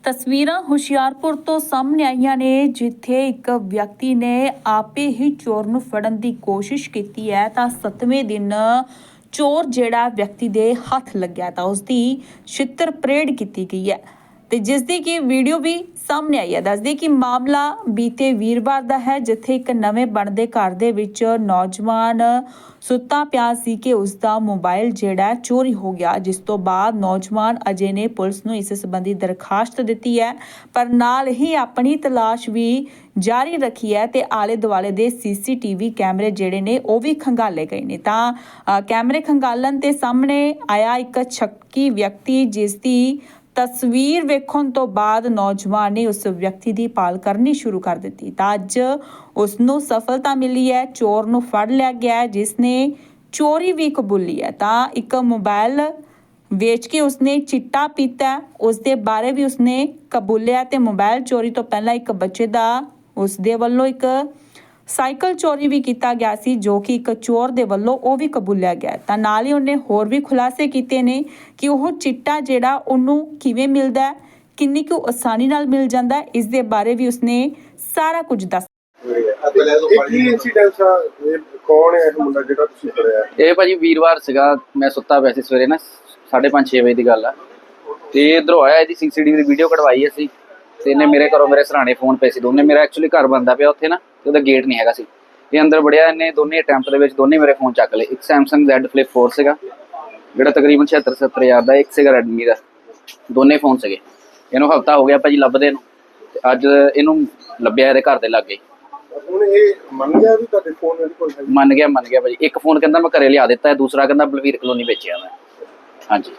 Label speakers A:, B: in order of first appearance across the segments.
A: ਤਸਵੀਰਾਂ ਹੁਸ਼ਿਆਰਪੁਰ ਤੋਂ ਸਾਹਮਣੇ ਆਈਆਂ ਨੇ, ਜਿੱਥੇ ਇੱਕ ਵਿਅਕਤੀ ਨੇ ਆਪੇ ਹੀ ਚੋਰ ਨੂੰ ਫੜਨ ਦੀ ਕੋਸ਼ਿਸ਼ ਕੀਤੀ ਹੈ ਤਾਂ 7ਵੇਂ ਦਿਨ ਚੋਰ ਜਿਹੜਾ ਵਿਅਕਤੀ ਦੇ ਹੱਥ ਲੱਗਿਆ ਤਾਂ ਉਸ ਦੀ ਛਿੱਤਰ ਪਰੇਡ ਕੀਤੀ ਗਈ ਹੈ ਤੇ ਜਿਸ ਦੀ ਕਿ ਵੀਡੀਓ ਵੀ ਸਾਹਮਣੇ ਆਈ ਹੈ। ਦੱਸਦੇ ਕਿ ਮਾਮਲਾ ਬੀਤੇ ਵੀਰਵਾਰ ਦਾ ਹੈ, ਜਿੱਥੇ ਇੱਕ ਨਵੇਂ ਬਣਦੇ ਘਰ ਦੇ ਵਿੱਚ ਨੌਜਵਾਨ ਸੁੱਤਾ ਪਿਆ ਸੀ ਕਿ ਉਸ ਦਾ ਮੋਬਾਈਲ ਜਿਹੜਾ ਚੋਰੀ ਹੋ ਗਿਆ, ਜਿਸ ਤੋਂ ਬਾਅਦ ਨੌਜਵਾਨ ਅਜੇ ਨੇ ਪੁਲਿਸ ਨੂੰ ਇਸ ਸੰਬੰਧੀ ਦਰਖਾਸਤ ਦਿੱਤੀ ਹੈ, ਪਰ ਨਾਲ ਹੀ ਆਪਣੀ ਤਲਾਸ਼ ਵੀ ਜਾਰੀ ਰੱਖੀ ਹੈ ਤੇ ਆਲੇ ਦੁਆਲੇ ਦੇ ਸੀਸੀਟੀਵੀ ਕੈਮਰੇ ਜਿਹੜੇ ਨੇ ਉਹ ਵੀ ਖੰਗਾਲੇ ਗਏ ਨੇ। ਤਾਂ ਕੈਮਰੇ ਖੰਗਾਲਣ ਤੇ ਸਾਹਮਣੇ ਆਇਆ ਇੱਕ ਸ਼ੱਕੀ ਵਿਅਕਤੀ, ਜਿਸ ਦੀ ਤਸਵੀਰ ਵੇਖਣ ਤੋਂ ਬਾਅਦ ਨੌਜਵਾਨ ਨੇ ਉਸ ਵਿਅਕਤੀ ਦੀ ਭਾਲ ਕਰਨੀ ਸ਼ੁਰੂ ਕਰ ਦਿੱਤੀ ਤਾਂ ਅੱਜ ਉਸ ਨੂੰ ਸਫਲਤਾ ਮਿਲੀ ਹੈ। ਚੋਰ ਨੂੰ ਫੜ ਲਿਆ ਗਿਆ ਹੈ, ਜਿਸ ਨੇ ਚੋਰੀ ਵੀ ਕਬੂਲੀ ਹੈ। ਤਾਂ ਇੱਕ ਮੋਬਾਈਲ ਵੇਚ ਕੇ ਉਸਨੇ ਚਿੱਟਾ ਪੀਤਾ, ਉਸ ਦੇ ਬਾਰੇ ਵੀ ਉਸਨੇ ਕਬੂਲਿਆ ਤੇ ਮੋਬਾਈਲ ਚੋਰੀ ਤੋਂ ਪਹਿਲਾਂ ਇੱਕ ਬੱਚੇ ਦਾ ਉਸ ਦੇ ਵੱਲੋਂ ਇੱਕ ਸਾਈਕਲ ਚੋਰੀ ਵੀ ਕੀਤਾ ਗਿਆ ਸੀ, ਜੋ ਕਿ ਇੱਕ ਚੋਰ ਦੇ ਵੱਲੋਂ ਉਹ ਵੀ ਕਬੂਲਿਆ ਗਿਆ। ਤਾਂ ਨਾਲ ਹੀ ਉਹਨੇ ਹੋਰ ਵੀ ਖੁਲਾਸੇ ਕੀਤੇ ਨੇ ਕਿ ਉਹ ਚਿੱਟਾ ਜਿਹੜਾ ਉਹਨੂੰ ਕਿਵੇਂ ਮਿਲਦਾ ਹੈ, ਕਿੰਨੀ ਕੁ ਆਸਾਨੀ ਨਾਲ ਮਿਲ ਜਾਂਦਾ ਹੈ, ਇਸ ਦੇ ਬਾਰੇ ਵੀ ਉਸਨੇ ਸਾਰਾ ਕੁਝ ਦੱਸਿਆ।
B: ਇਹ ਭਾਜੀ ਵੀਰਵਾਰ ਸੀਗਾ, ਮੈਂ ਸੁੱਤਾ ਪਿਆ ਸੀ ਸਵੇਰੇ ਨਾ 5:30-6 ਵਜੇ ਦੀ ਗੱਲ ਆ ਤੇ ਇਧਰੋਂ ਆਇਆ, ਇਹਦੀ ਸੀਸੀਟੀਵੀ ਦੀ ਵੀਡੀਓ ਕਢਵਾਈ ਅਸੀਂ ਤੇ ਇਹਨੇ ਮੇਰੇ ਘਰੋਂ ਮੇਰੇ ਸਰਾਣੇ ਫੋਨ ਪਏ ਸੀ ਦੋਨੇ। ਮੇਰਾ ਐਕਚੁਅਲੀ ਘਰ ਬੰਦਾ ਪਿਆ ਉੱਥੇ ਨਾ, ਤੇ ਉਹਦਾ ਗੇਟ ਨਹੀਂ ਹੈਗਾ ਸੀ। ਇਹ ਅੰਦਰ ਵੜਿਆ, ਇਹਨੇ ਦੋਨੇ ਅਟੈਂਪਟ ਦੇ ਵਿੱਚ ਦੋਨੇ ਮੇਰੇ ਫੋਨ ਚੱਕ ਲਏ। ਇੱਕ ਸੈਮਸੰਗ Z Flip 4 ਸੀਗਾ ਜਿਹੜਾ ਤਕਰੀਬਨ 76-70 ਹਜ਼ਾਰ ਦਾ, ਇੱਕ ਸੀਗਾ ਰੈਡਮੀ ਦਾ। ਦੋਨੇ ਫੋਨ ਸੀਗੇ। ਇਹਨੂੰ ਹਫਤਾ ਹੋ ਗਿਆ ਭਾਜੀ ਲੱਭਦੇ ਨੂੰ, ਤੇ ਅੱਜ ਇਹਨੂੰ ਲੱਭਿਆ ਇਹਦੇ ਘਰ ਦੇ ਲਾਗੇ।
C: ਹੁਣ ਇਹ ਮੰਨ ਗਿਆ ਵੀ ਤੁਹਾਡੇ ਫੋਨ ਇਹਦੇ ਕੋਲ ਹੈ?
B: ਮੰਨ ਗਿਆ ਭਾਜੀ। ਇੱਕ ਫੋਨ ਕਹਿੰਦਾ ਮੈਂ ਘਰੇ ਲਿਆ ਦਿੱਤਾ ਹੈ, ਦੂਸਰਾ ਕਹਿੰਦਾ ਬਲਵੀਰ ਕਲੋਨੀ ਵੇਚਿਆ ਮੈਂ। ਹਾਂਜੀ,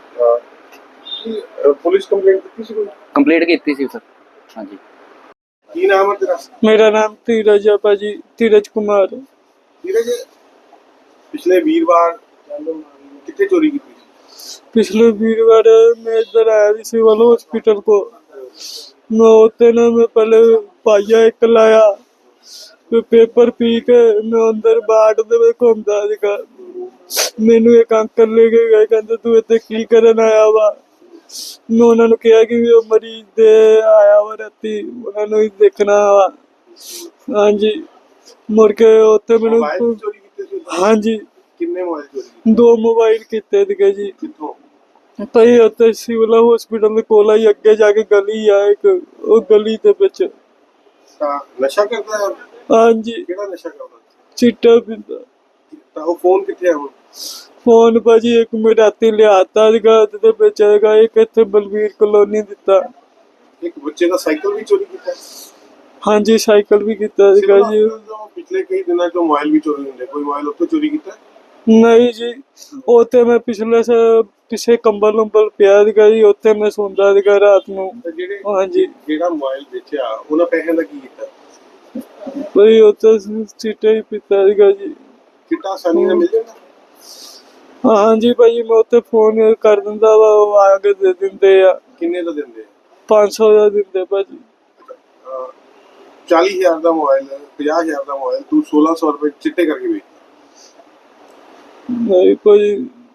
C: ਪੁਲਿਸ ਕੰਪਲੇਂਟ ਕੀਤੀ ਸੀ? ਕੋਈ
B: ਕੰਪਲੀਟ ਕੀਤੀ ਸੀ ਸਰ। ਹਾਂਜੀ।
C: ਕੀ ਨਾਮ ਹੈ ਤੇਰਾ?
D: मेरा नाम धीरज है भाजी, धीरज कुमार।
C: ਧੀਰਜ, ਪਿਛਲੇ ਵੀਰਵਾਰ ਕਿੱਥੇ ਚੋਰੀ ਕੀਤੀ ਸੀ?
D: पिछले वीरवार मैं इधर आया थी सिविल हॉस्पिटल को। मैं होते ना मैं पहले पाइया एक लाया, फिर पेपर पी के मैं अंदर बाट दे घूमता सीगा। मैनू एक अंकल लेके गए, कहते तू इत्थे की करन आया वा। मैं उन्होंने कहा कि वो मरीज दे आया वा राती, उन्होंने देखना वा। हाँ जी, मुड़ के उत्थे मैनू
C: ਮੋਬਾਈਲ ਚੋਰੀ ਕੀਤੇ ਸੀ?
D: हाँ जी,
C: ਕਿੰਨੇ ਮੋਬਾਈਲ ਚੋਰੀ ਕੀਤੇ?
D: 2 मोबाइल कीते थे जी।
C: ਕਿੱਥੋਂ?
D: ਭਾਈ ਉੱਥੇ ਸਿਵਲ ਹਸਪੀਟਲ ਦੇ ਕੋਲ ਹੀ ਅੱਗੇ ਜਾ ਕੇ ਗਲੀ ਆ ਇੱਕ, ਉਹ ਗਲੀ ਦੇ ਵਿੱਚ।
C: ਤਾਂ ਨਸ਼ਾ ਕਰਦਾ ਹੈ?
D: ਹਾਂਜੀ,
C: ਕਿਹੜਾ ਨਸ਼ਾ ਕਰਦਾ?
D: ਚਿੱਟਾ ਪੀਂਦਾ।
C: ਤਾਂ ਉਹ ਫੋਨ ਕਿੱਥੇ ਆ ਹੁਣ?
D: ਫੋਨ ਭਾਜੀ ਇੱਕ ਮੈਂ ਰਾਤੀ ਲਿਆਤਾ ਸੀਗਾ ਤੇ ਵੇਚੇਗਾ, ਇੱਕ ਇੱਥੇ ਬਲਵੀਰ ਕਲੋਨੀ ਦਿੱਤਾ।
C: ਇੱਕ ਬੱਚੇ ਦਾ ਸਾਈਕਲ ਵੀ ਚੋਰੀ ਕੀਤਾ?
D: ਹਾਂਜੀ, ਸਾਈਕਲ ਵੀ ਕੀਤਾ ਸੀਗਾ ਜੀ।
C: ਪਿਛਲੇ ਕਈ ਦਿਨਾਂ ਤੋਂ ਮੋਬਾਈਲ ਵੀ ਚੋਰੀ ਹੁੰਦੇ, ਕੋਈ ਮੋਬਾਈਲ ਉੱਥੋਂ ਚੋਰੀ ਕੀਤਾ?
D: ਨਹੀਂ ਜੀ, ਉੱਥੇ ਮੈਂ ਪਿਛੇ ਕੰਬਲ ਨੰਬਲ ਪਿਆ ਸੀਗਾ ਜੀ, ਉੱਥੇ ਮੈਂ ਸੌਂਦਾ ਸੀਗਾ ਰਾਤ ਨੂੰ। ਹਾਂਜੀ,
C: ਜਿਹੜਾ ਮੋਬਾਈਲ ਵੇਚਿਆ ਉਹਨਾਂ ਪੈਸਿਆਂ ਦਾ ਕੀ ਕੀਤਾ?
D: ਭਾਈ ਉੱਥੇ ਚਿੱਟਾ ਹੀ ਪੀਤਾ ਸੀਗਾ ਜੀ।
C: ਚਿੱਟਾ ਆਸਾਨੀ ਨਾਲ ਮਿਲ ਜਾਂਦਾ?
D: ਹਾਂਜੀ ਭਾਜੀ, ਮੈਂ ਉੱਥੇ ਫੋਨ ਕਰ ਦਿੰਦਾ ਵਾ, ਉਹ ਆ ਕੇ ਦੇ ਦਿੰਦੇ ਆ।
C: ਕਿੰਨੇ ਦਾ ਦਿੰਦੇ?
D: 500 ਦਾ ਦਿੰਦੇ ਭਾਜੀ।
C: 40,000 ਦਾ ਮੋਬਾਈਲ, 50,000 ਦਾ ਮੋਬਾਈਲ ਤੂੰ 1600 ਰੁਪਏ ਚਿੱਟੇ ਕਰਕੇ ਵੇਚ?
D: ਨਹੀਂ ਭਾਜੀ।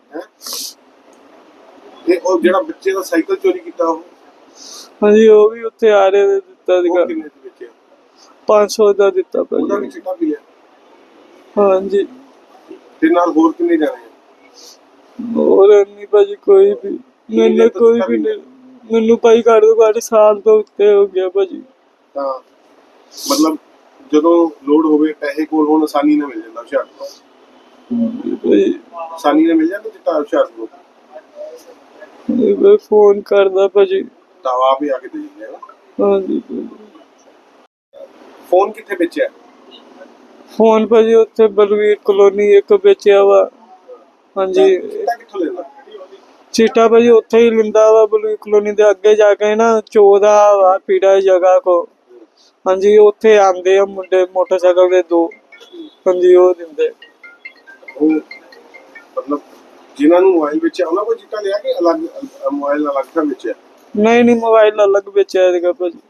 C: ਤੇ ਉਹ ਜਿਹੜਾ ਬੱਚੇ ਦਾ ਸਾਈਕਲ ਚੋਰੀ ਕੀਤਾ ਉਹ?
D: ਹਾਂਜੀ, ਉਹ ਵੀ ਉੱਥੇ ਆ ਰਹੇ ਨੇ ਦਿੱਤਾ ਸੀਗਾ।
C: ਉਹ ਕਿੰਨੇ ਦਾ ਵੇਚਿਆ?
D: 500 ਦਾ ਦਿੱਤਾ
C: ਉਹਦਾ ਵੀ
D: ਭਾਜੀ।
C: ਚਿੱਟਾ ਪੀ ਲਿਆ?
D: ਹਾਂਜੀ,
C: ਤੇ ਨਾਲ ਹੋਰ ਕਿੰਨੇ ਜਾਣੇ?
D: ਹੋਰ ਨਹੀਂ ਭਾਜੀ ਕੋਈ ਵੀ। ਮੈਨੂੰ ਕੋਈ ਵੀ ਨਹੀਂ, ਮੈਨੂੰ ਭਾਈ ਘੱਟ ਤੋਂ ਘੱਟ ਸਾਲ ਤੋਂ ਉੱਤੇ ਹੋ ਗਿਆ ਭਾਜੀ।
C: ਤਾਂ ਮਤਲਬ ਜਦੋਂ ਲੋਡ ਹੋਵੇ ਪੈਸੇ ਕੋਲ ਹੋਣ, ਆਸਾਨੀ ਨਾਲ ਮਿਲ ਜਾਂਦਾ ਹੁਸ਼ਿਆਰਪੁਰ?
D: ਭਾਜੀ
C: ਆਸਾਨੀ ਨਾਲ ਮਿਲ ਜਾਂਦਾ ਚਿੱਟਾ ਹੁਸ਼ਿਆਰਪੁਰ?
D: ਮੈਂ ਫੋਨ ਕਰਦਾ ਭਾਜੀ।
C: ਤਾਂ ਆਪ ਹੀ ਆ ਕੇ ਦੇ ਦਿੰਦੇ ਆ?
D: ਹਾਂਜੀ,
C: ਫੋਨ ਕਿੱਥੇ ਵੇਚਿਆ?
D: ਫੋਨ ਭਾਜੀ ਉੱਥੇ ਬਲਵੀਰ ਕਲੋਨੀ ਇੱਕ ਵੇਚਿਆ ਵਾ। ਹਾਂਜੀ,
C: ਚਿੱਟਾ ਕਿੱਥੋਂ ਲੈਂਦਾ?
D: ਚਿੱਟਾ ਭਾਜੀ ਉੱਥੇ ਹੀ ਲਿੰਦਾ ਵਾ, ਬਲਵੀਰ ਕਲੋਨੀ ਦੇ ਅੱਗੇ ਜਾ ਕੇ ਨਾ ਚੋਦਾ ਵਾ ਪੀੜਾ ਜਗ੍ਹਾ ਕੋ। ਹਾਂਜੀ, ਉੱਥੇ ਆਂਦੇ ਆ ਮੁੰਡੇ ਮੋਟਰਸਾਈਕਲ ਦੇ 2। ਹਾਂਜੀ, ਉਹ ਦਿੰਦੇ।
C: ਉਹ ਮਤਲਬ ਜਿਨ੍ਹਾਂ ਨੂੰ ਮੋਬਾਈਲ ਵੇਚਿਆ ਉਹਨਾਂ ਕੋਲ ਚਿੱਟਾ ਲਿਆ ਕਿ ਅਲੱਗ ਮੋਬਾਈਲ ਅਲੱਗ ਤੋਂ ਵੇਚਿਆ?
D: ਨਹੀਂ, ਮੋਬਾਈਲ ਅਲੱਗ ਵੇਚਿਆ ਸੀਗਾ ਭਾਜੀ।